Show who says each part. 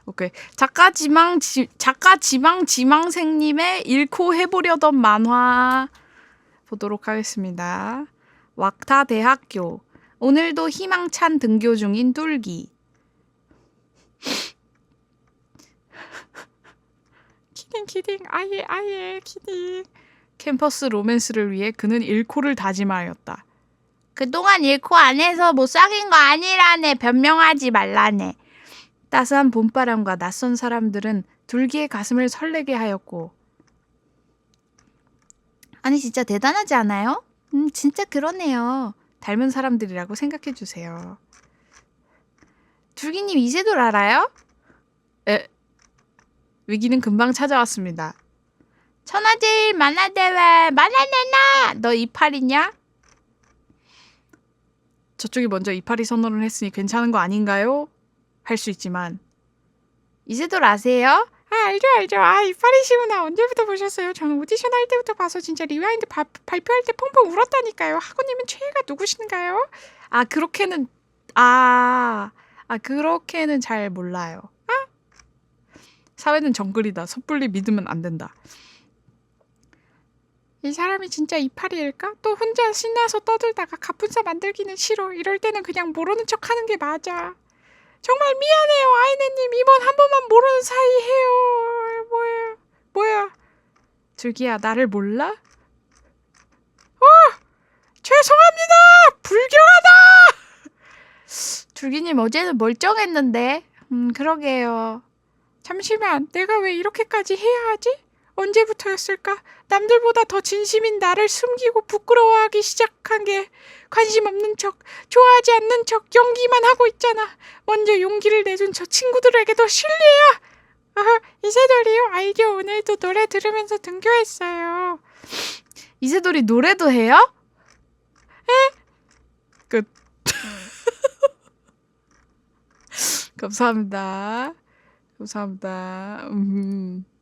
Speaker 1: 오케이. 작가 지망생님의 잃고 해보려던 만화 보도록 하겠습니다. 왁타 대학교. 오늘도 희망찬 등교 중인 뚫기. 키딩 아예 키딩. 캠퍼스 로맨스를 위해 그는 잃고를 다짐하였다. 그동안 잃고 안 해서 못 사귄 거 아니라네. 변명하지 말라네. 따스한 봄바람과 낯선 사람들은 둘기의 가슴을 설레게 하였고. 아니 진짜 대단하지 않아요? 진짜 그러네요. 닮은 사람들이라고 생각해주세요. 둘기님 이세돌 알아요? 위기는 금방 찾아왔습니다. 천하제일 만화대회 만화내놔! 너 이팔이냐? 저쪽이 먼저 이파리 선언을 했으니 괜찮은 거 아닌가요? 할 수 있지만. 이세돌 아세요? 알죠. 이파리시구나. 언제부터 보셨어요? 저는 오디션 할 때부터 봐서 진짜 리와인드 발표할 때 펑펑 울었다니까요. 하구님은 최애가 누구신가요? 그렇게는 잘 몰라요. 사회는 정글이다. 섣불리 믿으면 안 된다. 이 사람이 진짜 이파리일까? 또 혼자 신나서 떠들다가 갑분싸 만들기는 싫어. 이럴 때는 그냥 모르는 척 하는 게 맞아. 정말 미안해요, 아이네님. 이번 한 번만 모르는 사이 해요. 뭐야. 둘기야, 나를 몰라? 죄송합니다. 불경하다. 둘기님 어제는 멀쩡했는데. 그러게요. 잠시만, 내가 왜 이렇게까지 해야 하지? 언제부터였을까? 남들보다 더 진심인 나를 숨기고 부끄러워하기 시작한 게 관심 없는 척, 좋아하지 않는 척 연기만 하고 있잖아. 먼저 용기를 내준 저 친구들에게도 실례야. 이세돌이요? 알죠. 오늘도 노래 들으면서 등교했어요. 이세돌이 노래도 해요? 끝. 감사합니다.